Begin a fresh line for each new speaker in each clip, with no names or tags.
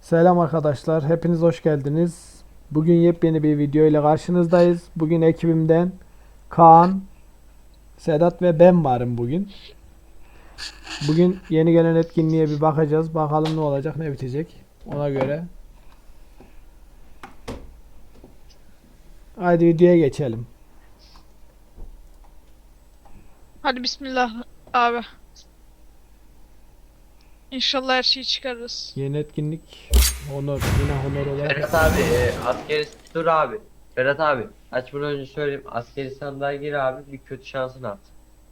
Selam arkadaşlar, hepiniz hoş geldiniz. Bugün yepyeni bir video ile karşınızdayız. Bugün ekibimden Kaan, Sedat ve ben varım bugün. Bugün yeni gelen etkinliğe bir bakacağız. Bakalım ne olacak, ne bitecek. Ona göre. Haydi videoya geçelim.
Hadi bismillah abi. İnşallah her şeyi çıkarırız.
Yeni etkinlik honor, yine honor olarak.
Ferhat abi askeri dur abi. Ferhat abi açmadan önce söyleyeyim, askeri sandığa gir abi, bir kötü şansını at.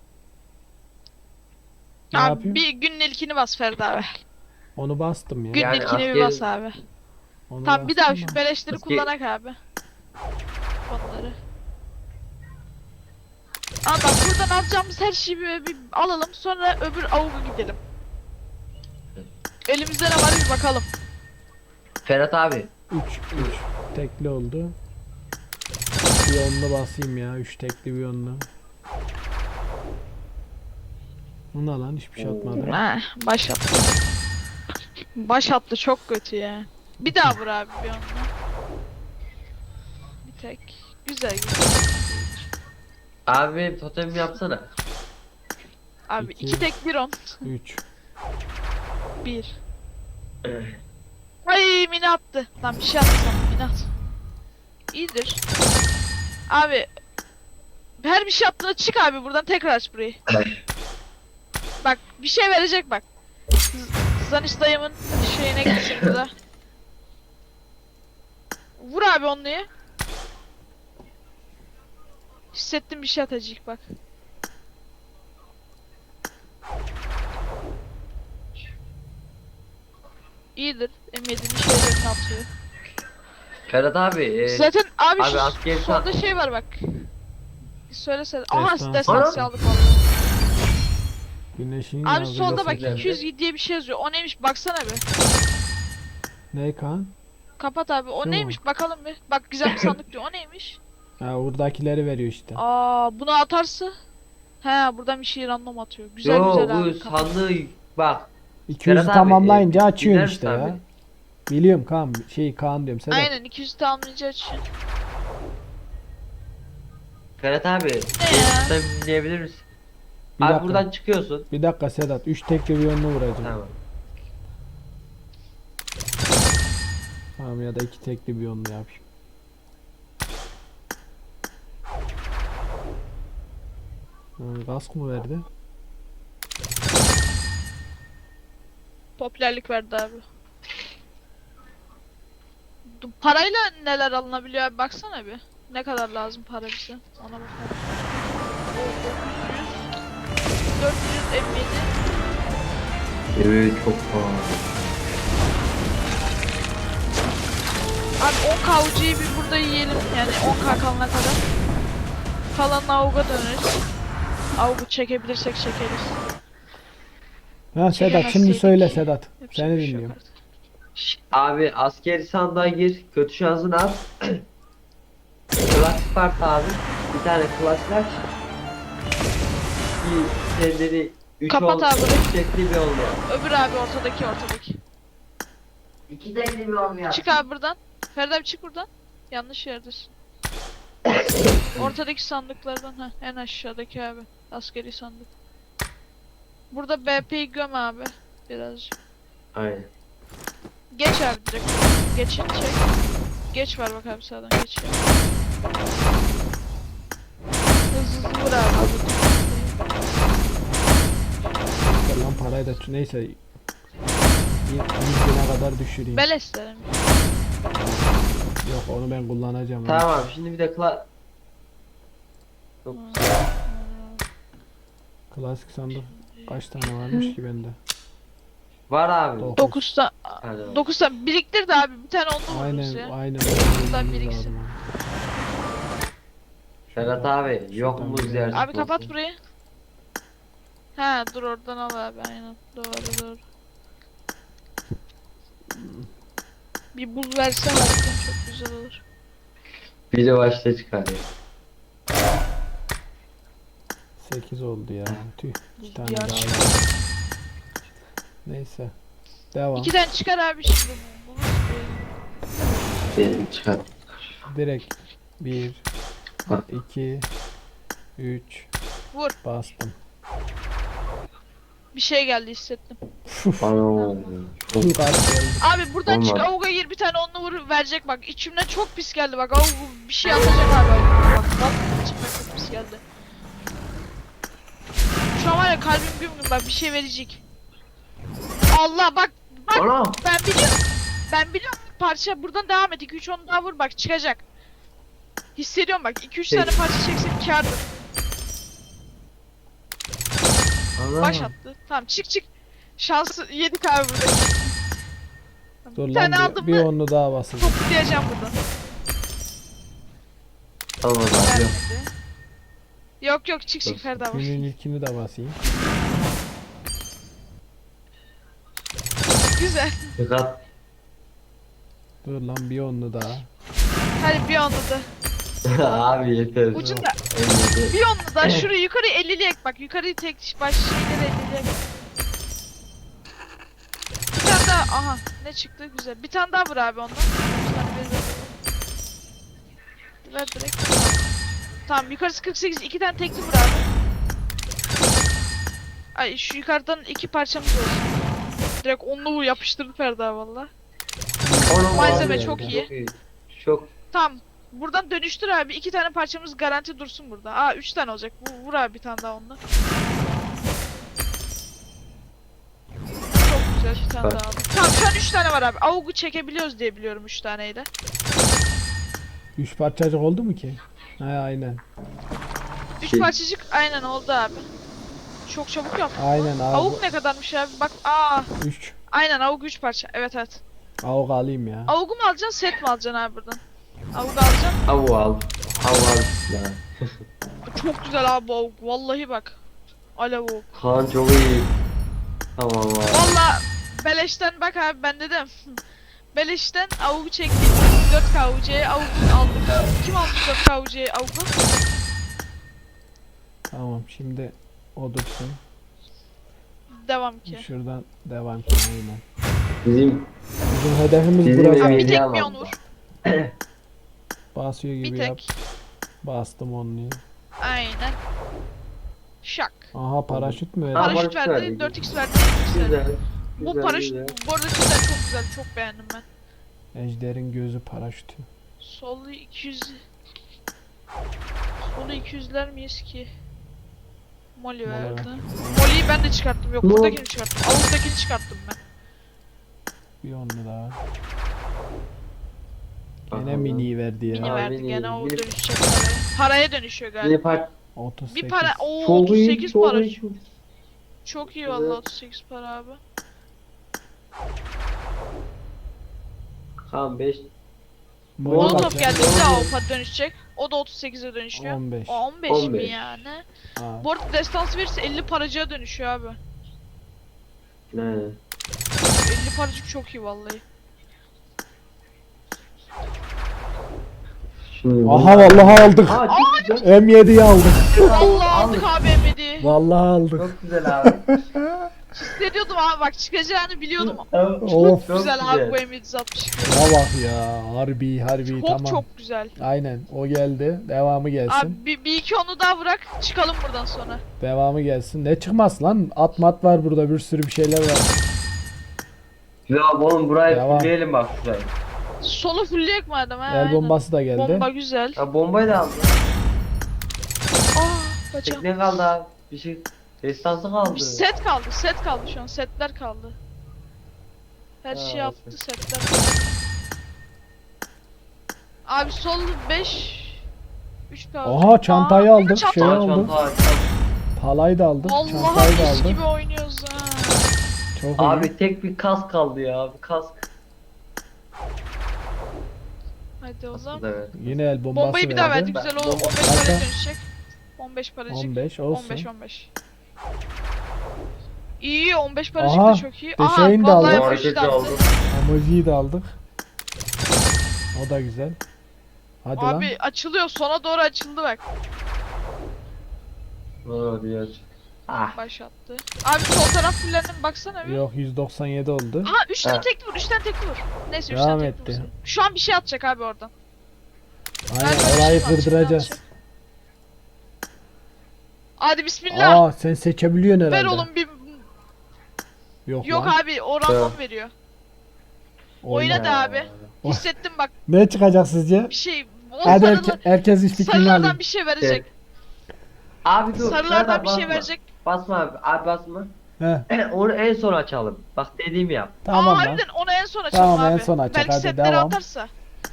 Ne
Abi
yapayım?
bir günün ilkini bas Ferdi abi.
Onu bastım ya.
Günün
Yani
ilkini bir
askeri-
bas abi.
Onu
Tamam bir daha
bastım
şu
da.
beleşleri
Askeri-
kullanak abi. Onları. Ama bak buradan alacağımız her şeyi bir alalım, sonra öbür avuga gidelim. Elimizde ne var bir bakalım.
Ferhat abi
3 tekli oldu. Bir onlu basayım ya. 3 tekli bir onlu. Bu ne lan? Hiçbir şey atmadı.
Ha, baş attı. Baş attı çok kötü ya. Bir daha vur abi bir onunla. Bir tek. Güzel güzel.
abi benim totemimi yapsana.
Abi
İki.
iki tek bir on.
3.
Bir. Ay mini attı. Lan bir şey attı sana, mini at. İyidir. Abi her bir şey attığında çık abi buradan, tekrar aç burayı. Bak bir şey verecek bak. Zaniş dayımın şeyine gitsin burada. Vur abi onluyu. Hissettim bir şey atacak bak. İyidir. M7'nin şeylerini atıyor.
Ferhat abi
Zaten abi,
abi
şu
askeri
solda şey var bak. Söylesene.
Destansı.
Aha destansı aldık vallahi.
Güneşin
Abi
yazdığı
solda bak
güzel.
200 diye bir şey yazıyor. O neymiş baksana bir.
Ne kan?
Kapat abi. O
Şu mu?
neymiş bakalım bir. Bak güzel bir sandık diyor. O neymiş?
Ha, buradakileri veriyor işte.
Bunu atarsa. He buradan bir şey random atıyor. Güzel
yo
güzel
bu
abi. Kapat.
sandığı bak
200'ü
Ferhat abi,
tamamlayınca
dinler
açıyorsun
misin
işte
abi?
ya. Biliyorum Kaan. Kaan diyorum Sedat.
Aynen 200 tamamlayınca açıyor.
Ferhat abi
Ne
benim
ya?
totemimi dinleyebilir misin?
Bir
Abi
dakika.
buradan çıkıyorsun.
Bir dakika Sedat. 3 tekli bir yönlü vuracağım.
Tamam.
Tamam ya da 2 tekli bir yönlü yapayım. Kask mı verdi?
Popülerlik verdi abi. Parayla neler alınabiliyor abi baksana bir. Ne kadar lazım para bize? Ona bakalım. 400 M7.
Evet çok pahalı.
Abi 10k ucuyu bir burada yiyelim, yani 10k kalana kadar. Kalanla avuga döneriz. Avugu çekebilirsek çekeriz.
Ha Sedat şimdi
Çekemezseydik
söyle Sedat.
yapacak
Seni
bir şey yok
dinliyorum.
artık.
Abi askeri sandığa gir, kötü şansını at. Klasik part abi. Bir tane klasik aç. Bir kendini 3
Kapat abi burayı.
şekli bir olmuyor.
Öbür abi ortadaki.
İki tekli bir olmuyor.
Çık abi buradan. Ferdi abi çık buradan. Yanlış yerdesin. Ortadaki sandıklardan, ha en aşağıdaki abi. Askeri sandık. Burada BP'yi göm abi. Birazcık.
Aynen.
Geç abi direkt. Geçin çek. Geç var bak abi sağdan geç ya. Hızlı vur abi.
Lan parayı da neyse 100 bine kadar düşüreyim.
Beleş derim.
Yok onu ben kullanacağım.
Tamam şimdi bir de Çok
Klasik sandık kaç tane varmış ki bende?
var abi.
9 tane.
Hadi.
9 tane biriktir de abi bir tane onlu vururuz
Aynen
ya.
aynen.
Buradan
Bulmamız
biriksin.
lazım abi.
Ferhat abi yok mu
şuradan
ziyaret?
Abi kapat burayı. Ha dur oradan al abi, aynen doğru. Bir buz versen aslında çok güzel olur.
Bir de başta çıkar ya.
8 oldu ya. Tüh. 2 tane
Diğer
daha
çıkar.
var. Neyse. Devam.
2 tane çıkar abi şimdi. Buluruz
Çıkar.
Direkt 1 2 3
Vur.
bastım.
Bir şey geldi hissettim.
Ana.
Çok az geldi.
Abi buradan çık
Olmaz.
avuga gir bir tane onunla vur verecek bak. İçimden çok pis geldi bak. Avuk bir şey atacak abi. Bak vallahi içimden çok pis geldi. Şu an var ya kalbim güm güm bak bir şey verecek. Allah bak
Ana.
ben biliyorum. Ben biliyorum parça buradan devam et. 2-3 onu daha vur bak çıkacak. Hissediyorum bak 2-3 tane parça çeksek kârdır.
Ana.
Baş attı. Tamam çık. Şansı yedik abi burada.
Dur
Bir
lan
tane aldım
bir
mı
onlu daha basacağım.
toplayacağım buradan.
Tamam abi. Yok.
Vermedi. Yok çık
Dur.
Ferda var.
Günün ilkini de basayım.
Güzel.
Dikkat.
Dur lan bir onlu daha.
Hadi bir onu da.
Abi yeter.
Ucunda.
Elli.
Bir onu da şurayı yukarı 50'li ek bak. Yukarıyı tek baş şeyleri 50'li ek. Bir tane daha. Aha ne çıktı güzel. Bir tane daha vur abi ondan. Bir tane ver direkt. Tamam yukarısı 48. 2 tane tekli vur abi. Ay şu yukarıdan 2 parçamız olsun. Direkt onlu yapıştırdı Ferda valla.
Ana
Malzeme
abi.
çok iyi.
Çok.
Tamam. Buradan dönüştür abi. 2 tane parçamız garanti dursun burada. Aa 3 tane olacak. Vur abi bir tane daha onunla. Çok güzel bir tane
Süper.
daha aldım. Tamam şu an 3 tane var abi. Avuk'u çekebiliyoruz diye biliyorum 3 taneyle.
3 parçacık oldu mu ki? He aynen.
3
Şey-
parçacık aynen oldu abi. Çok çabuk yaptın.
Aynen abi.
Avuk ne kadarmış abi? Bak aa
3.
aynen avuk 3 parça. Evet.
Avuk alayım ya.
Avuk'u mu alacaksın set mi alacaksın abi buradan? Avuk alacaksın.
Avu al. Avu al. Ya.
Çok güzel abi bu avuk. Vallahi bak. Alev avuk.
Kaan çok iyi. Tamam abi.
Valla beleşten bak abi ben dedim. Beleşten avucu çektik. 4 KUC'ye avucu aldık. Kim aldı 4 KUC'ye avucu?
Tamam şimdi o dursun.
Devam ki.
Şuradan devam ki aynen.
Bizim
Bizim hedefimiz
Bizim
burası.
Abi bir
Hediye
tek
almadım.
mi onu vur?
Basıyor gibi
Bir
yap.
tek.
Bastım onu.
Aynen. Şak.
Aha paraşüt mü?
Ha,
Paraşüt
paraşüt
verdi,
verdi.
4x verdi, 4x verdi.
güzel.
Bu
güzel,
paraşüt
güzel.
bu arada cidden çok güzel, çok beğendim ben.
Ejder'in gözü paraşütü.
Solu 200. Solu 200'ler miyiz ki? Molly
Molly
verdi.
ver.
Molly'yi ben de çıkarttım. Yok
Mol-
buradakini çıkarttım. Avuk'takini çıkarttım ben.
Bir onlu daha. Gene
Aha.
mini verdi
Mini
ya.
Abi,
verdi gene o
mini-
dönüşecek paraya. Paraya dönüşüyor
Yine
galiba.
part
38.
Bir para o
çok iyi.
38
Çok
para.
iyi.
Çok iyi
Evet.
vallahi 38 para abi.
Kaan 5.
Molly
Molotov
kaç ya?
geldi bir daha o dönüşecek. O da 38'e dönüşüyor.
15.
O 15 mi
15.
yani?
Ha,
Bu arada destans verirse 50 paracığa dönüşüyor abi.
Ne?
50 paracık çok iyi vallahi.
Şimdi
Aha vallahi aldık.
Aa çok güzel.
M7'yi aldık.
Vallahi aldık abi Emedi.
Vallahi aldık.
Çok güzel abi.
Hissediyordum abi bak çıkacağını biliyordum.
Of.
Çok
güzel abi bu
güzel.
M762.
Ya bak ya. Harbi
Çok
tamam.
çok güzel.
Aynen o geldi. Devamı gelsin.
Abi bir iki onu daha bırak çıkalım buradan sonra.
Devamı gelsin. Ne çıkmaz lan? At mat var burada, bir sürü bir şeyler var.
Ya oğlum burayı
Devam.
fulleyelim bak şurayı.
Solu fullleyek madem ha.
El
aynen.
bombası da geldi.
Bomba güzel.
Ya bombayı da aldım.
Bacağım.
Tekne kaldı abi. Bir şey. Destansı kaldı.
Bir set kaldı şu an, setler kaldı. Her
Ha,
şey yaptı,
okey.
setler kaldı. Abi sol 5 3 kaldı.
Aha çantayı
Aa,
aldık.
çanta
Şey
aldık.
aldık.
Çanta.
Palayı da aldık.
Vallahi
Çantayı da
mis
aldık.
gibi oynuyoruz ha.
Çok iyi.
Abi tek bir kask kaldı ya. Bir kask.
Hadi o zaman.
Evet.
Yine el bombası
Bombayı bir daha
verdi.
verdi, güzel o
Bomba-
15
Zaten-
paraya dönüşecek. 15 paracık.
15 olsun.
15. İyi 15 paracık
Aha,
da çok iyi. Aha
deşeğini de
vallahi
aldık.
emoji
Hareketi
de attı.
aldım.
Emoji'yi de aldık. O da güzel. Hadi
Abi
lan.
açılıyor, sona doğru açıldı bak.
Abi aç. Ah.
Başlattı. Abi sol taraf fullendim baksana bir.
Yok 197 oldu.
Aha 3 tane
Ha.
tekli vur, 3 tane tekli vur. Neyse
Devam
üstten
etti.
tekrar. Şu an bir şey atacak abi oradan.
Aynen
Galiba bir
orayı
şey var,
kırdıracağız.
şimdi atacak. Hadi bismillah.
Aa sen seçebiliyorsun
Ver
herhalde.
oğlum bir... Yok
lan.
abi o random veriyor. Oyna da abi.
O-
Hissettim bak
Ne çıkacak sizce?
bir şey. O
Hadi
sarılı,
herkes iş fikrini alayım.
sarılardan bir şey verecek.
Abi dur.
Sarılardan
Ferhat
bir şey
basma.
verecek.
Basma abi. Abi basma.
He,
Onu en son açalım. Bak dediğimi yap.
tamam
Aa
lan.
harbiden onu en son açalım
Tamam,
abi.
en son açacak.
Belki
Hadi
setleri
devam.
atarsa.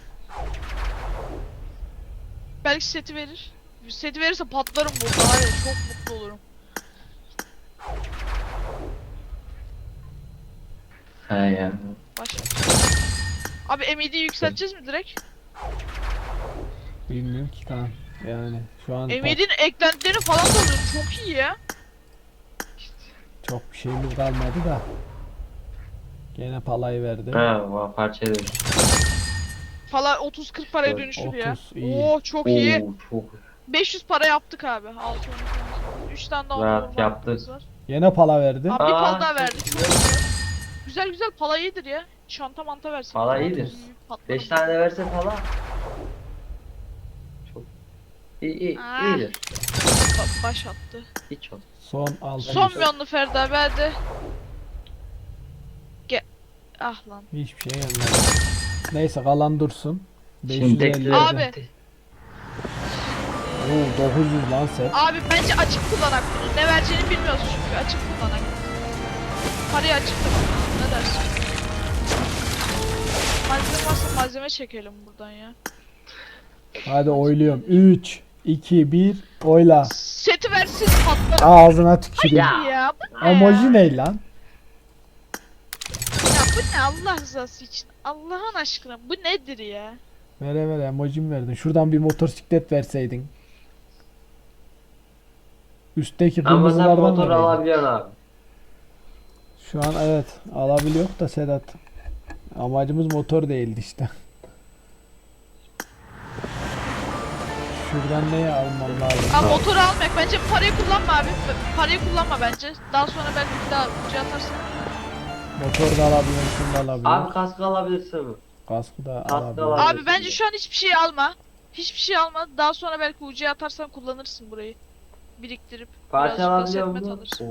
Belki seti verir. Seti verirse patlarım burada var ya çok mutlu olurum.
He ya.
Başla. Abi MED'yi yükselteceğiz mi direkt?
Bilmiyorum ki kan. Yani şu an
MED'nin eklentilerini falan da alıyorum. Çok iyi ya.
çok bir şeyimiz kalmadı da. Gene palayı verdi.
Ha, parça demiş.
Falan 30-40 paraya
Evet,
dönüşür ya.
30 iyi.
Oo çok iyi.
Oo, çok
500 para yaptık abi. 6 3 tane daha
Rahat
normal
yaptık.
paramız var.
Gene pala verdi.
Abi bir
Aa,
pal daha verdi.
çok
Çok
güzel.
güzel. Güzel güzel pala iyidir ya. Çanta manta versin.
Pala iyidir. 5 tane verse falan. Çok iyi,
Ah.
iyidir.
Baş attı.
Hiç olmaz.
Son 6.
Son milyonlu Ferdi abi hadi. Ah lan.
Hiçbir şey gelmedi. Neyse kalan dursun.
Şimdi
550.
Abi.
Oo 900 lan set.
Abi bence açık kullanak bunu. Ne vereceğini bilmiyoruz çünkü açık kullanak. Parayı açık da kullanalım. Ne dersin? Malzeme varsa malzeme çekelim buradan ya.
Hadi oyluyorum. 3 2 1 oyla.
Seti versin patlar.
Ağzına tüküreyim.
Ya.
Ya bu ne
Emoji
ya?
ne lan?
Ya bu ne Allah rızası için? Allah'ın aşkına bu nedir ya?
Ver emoji mi verdin? Şuradan bir motosiklet verseydin. Üstteki
Ama sen
kırmızılardan
motor
vereydin.
alabiliyorsun abi.
Şu an evet alabiliyor da Sedat. Amacımız motor değildi işte. Şuradan neyi almam lazım?
Abi motoru almak bence parayı kullanma abi. Parayı kullanma bence. Daha sonra belki bir daha ucu atarsın.
Motor da alabiliyorum, şunu da alabiliyorum.
Abi kask alabilirsin mi?
Kaskı da
Kaskı
alabiliyorum.
alabilirim.
Abi bence şu an hiçbir şey alma. Hiçbir şey alma. Daha sonra belki ucuya atarsan kullanırsın burayı. Biriktirip
Parça
birazcık da
alabiliyor
setmet
musun?
alırsın.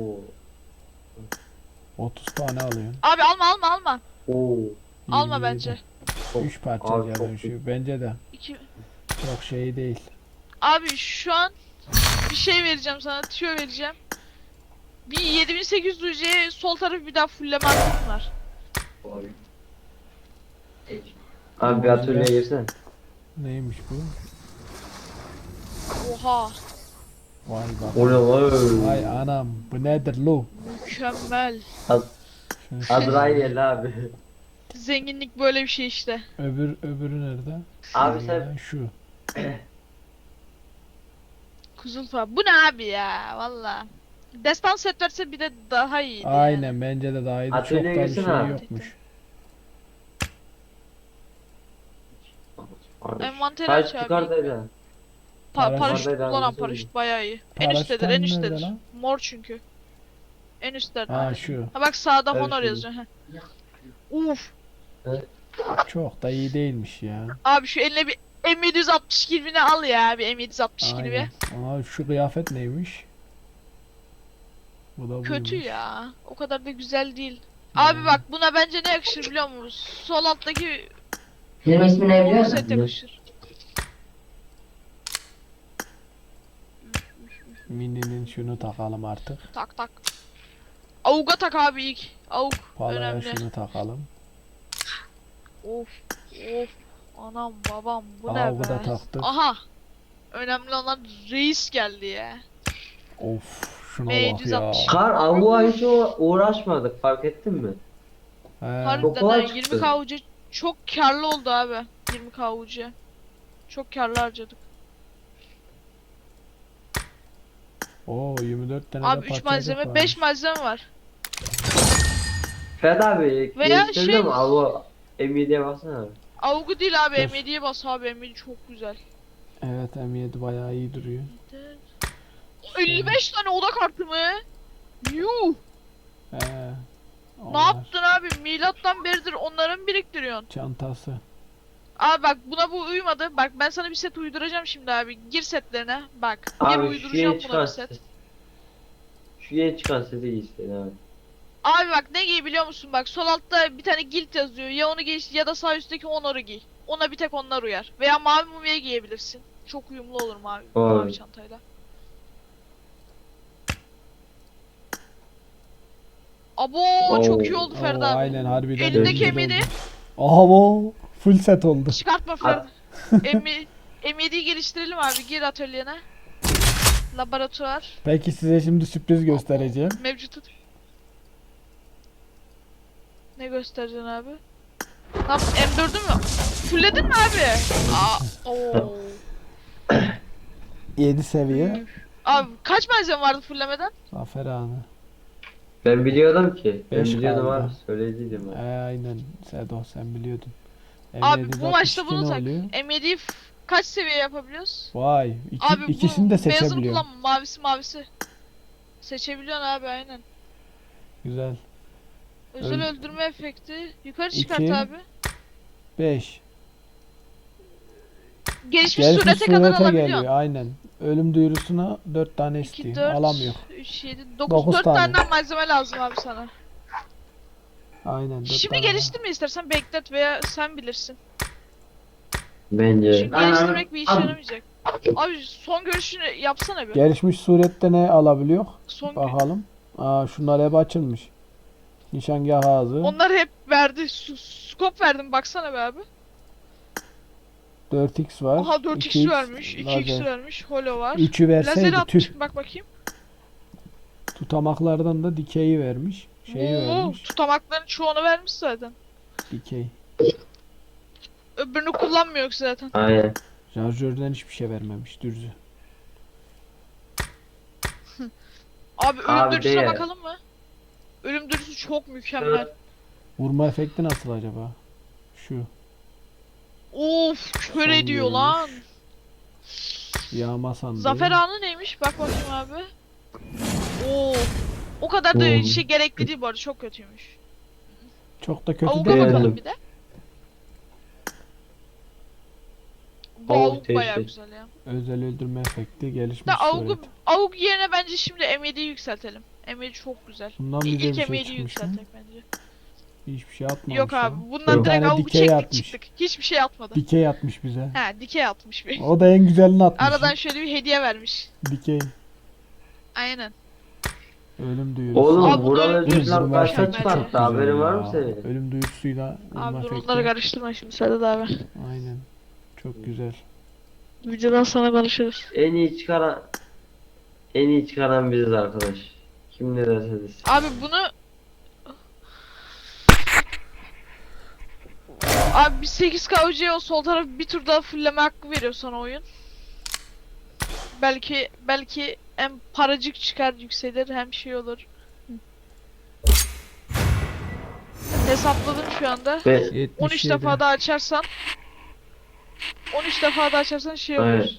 Oo. 30 tane alıyorum.
Abi alma.
Oo.
Alma
27.
bence.
3 parça
Abi
ya
çok
dönüşüyor. Bence de
İki...
çok şey değil.
Abi şu an bir şey vereceğim sana. Tüyo vereceğim. Bir 7800 ucuya sol tarafı bir daha fulleme hakkın var.
Abi bir atölyeye girsene.
Neymiş bu?
Oha.
Vay bak.
O ne lan?
Vay anam. Bu nedir lo?
Mükemmel.
Şunu
Azrail abi.
Zenginlik böyle bir şey işte.
öbürü nerede?
Abi
Şu
sen-
ya, şu.
Kuzulfa. Bu ne abi ya valla. Destan set verse bir de daha iyiydi
Aynen
yani.
bence de daha iyiydi. Çok da
Atölyeye
bir
girsene
şey
abi.
yokmuş.
Envanteri aç
Kaç
abi.
yukarıdaydı?
Paraşüt
Paraşüt
var,
kullanan
devam
paraşüt bayağı iyi. En
Paraşütten
üsttedir en
nerede
üsttedir.
lan?
Mor çünkü. En üstlerde.
Ha şu.
Ha bak sağda
Evet,
Honor
şu.
yazıyor. Heh. Uf.
Çok da iyi değilmiş ya.
Abi şu eline bir M762'ni al ya bir M762'ni bir.
Aynen. Aa, şu kıyafet neymiş? Bu da
Kötü
buymuş.
ya. O kadar da güzel değil.
Hmm.
Abi bak buna bence ne yakışır biliyor musun? Sol alttaki
Benim ismi ne
polo set yakışır.
Mini'nin şunu takalım artık.
Tak tak. Avuga tak abi ilk. Avuk
Palaya
önemli.
şunu takalım.
Of of. Anam babam bu
Aa,
ne
bu
be?
da taktık.
Aha. Önemli olan reis geldi ya.
Of şuna bak ya.
M762.
Kar avuğa hiç uğraşmadık fark ettin mi?
He.
Harbiden
kolay
ha,
çıktı.
20 kavucu çok karlı oldu abi. 20 kavucu. Çok karlı harcadık.
Oo 24 tane
Abi
de
3
parçacık
malzeme,
varmış.
5 malzeme var.
Ferhat abi
Veya
geliştirebiliyor
şey-
mu? Avuğa M7'ye baksana abi.
Avgu değil abi
Dur.
M7'ye bas abi M7 çok güzel.
Evet M7 bayağı iyi duruyor.
55 tane oda kartı mı? Yuh.
He.
Ne
Onlar.
yaptın abi? Milattan beridir onları mı biriktiriyorsun?
Çantası.
Abi bak buna bu uymadı. Bak ben sana bir set uyduracağım şimdi abi. Gir setlerine. Bak. Gir
Abi şu
uyduracağım
yeni
buna
çıkan
bir set.
ses. Şu yeni çıkan sesi giy işte abi.
Abi bak ne giy biliyor musun? Bak sol altta bir tane guild yazıyor. Ya onu giy ya da sağ üstteki onları giy. Ona bir tek onlar uyar. Veya mavi mumya giyebilirsin. Çok uyumlu olur mavi,
Abi.
mavi çantayla. Abo çok iyi
Oo.
oldu
Oo,
Ferdi abi.
aynen harbiden.
Elindeki
güzel
M7
oldu. Aha bu full set oldu.
çıkartma Ferdi. M7'yi geliştirelim abi. Gir atölyene. Laboratuvar.
Peki size şimdi sürpriz göstereceğim.
Mevcut. Ne göstereceksin abi? Lan M4'ü mü? Fulledin mi abi? Oo.
7 seviye.
Abi kaç malzeme vardı fullemeden?
Zafer anı.
Ben biliyordum ki. Ben
Beş
biliyordum
kaldı.
abi. Söylediydim abi.
Aynen Sedo sen biliyordun.
Abi
M762
bu maçta
ne
bunu tak.
oluyor?
M7'yi kaç seviye yapabiliyoruz?
Vay
Abi
ikisini de
bu beyazını
seçebiliyor.
kullanma. Mavisi. Seçebiliyorsun abi aynen.
Güzel.
Özel
Öl-
öldürme efekti. Yukarı çıkart
İki.
abi.
5.
Gelişmiş
Gelişmiş
surete kadar
surete
alabiliyorsun.
geliyor aynen. Ölüm duyurusuna 4 tane
2,
istiyor.
4,
Alamıyor.
3, 7, 9,
Dokuz
4
tane.
tane malzeme lazım abi sana.
Aynen 4
Şimdi
tane.
geliştirme istersen beklet veya sen bilirsin.
Bence.
Çünkü geliştirmek bir işe yaramayacak. Abi son görüşünü yapsana bir.
Gelişmiş surette ne alabiliyor?
Son
Bakalım. Aa şunlar hep açılmış. Nişangah ağzı.
Onlar hep verdi. Scope verdim baksana be abi.
4x var.
Aha 4x
2x
vermiş, 2x
lazer.
vermiş, holo var.
3'ü
Lazeri
verseydi
atmış
tüh.
mı bak bakayım.
Tutamaklardan da dikeyi vermiş. Şeyi
Oo,
vermiş.
tutamakların çoğunu vermiş zaten.
Dikey.
Öbürünü kullanmıyor zaten.
Aynen.
Şarjörden hiçbir şey vermemiş dürzü.
Abi ölüm
Abi
dürüsüne
değil.
bakalım mı? Ölüm dürüsü çok mükemmel.
Vurma efekti nasıl acaba? Şu.
Of kör
Son
ediyor
görünüş.
lan.
Yağma sandığı.
Zafer anı neymiş? Bak bakayım abi. Oo. O kadar da
Oo.
şey gerekli değil bu arada çok kötüymüş.
Çok da kötü
Avuga
değil.
Beğendim.
bakalım bir de. Bu
Avuk
avuk bayağı
değişik.
güzel ya.
Özel öldürme efekti gelişmiş
Da avuk,
suret.
avuk yerine bence şimdi M7'yi yükseltelim. M7 çok güzel.
Bundan bize
İlk
bir şey
M7'yi
çıkmış mı?
yükseltek bence.
Hiçbir şey atmamış.
Yok
ya.
abi bundan
Bir
direkt
tane
avuku
dikey
çektik
atmış.
çıktık. Hiçbir şey atmadı.
Dikey atmış bize.
He dikey atmış bir.
O da en güzelini atmış.
Aradan şöyle bir hediye vermiş.
Dikey.
Aynen.
Ölüm duyurusu.
Oğlum
Abi
Vural
bunları-
Özgürler
Vurma
başa
efekti
mükemmel
çıkarttı.
ya.
Haberin var mı
ya.
senin?
Ölüm duyurusuyla vurma
Abi dur
efekti.
onları karıştırma şimdi Sedat abi.
Aynen. Çok güzel.
Videodan sonra konuşuruz.
En iyi çıkaran biziz arkadaş. Kim ne derse desin.
Abi bunu... Abi bir 8K UC'ye o sol tarafı bir tur daha fullleme hakkı veriyor sana oyun. Belki hem paracık çıkar yükselir hem şey olur. Hesapladım şu anda.
Ve
77.
13 defa daha açarsan 13 defa daha açarsan şey olur.
Evet.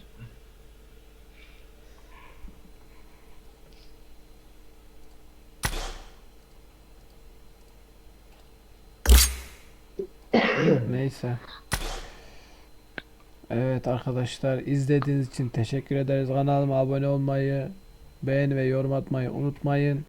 Neyse. Evet arkadaşlar izlediğiniz için teşekkür ederiz. Kanalıma abone olmayı, beğeni ve yorum atmayı unutmayın.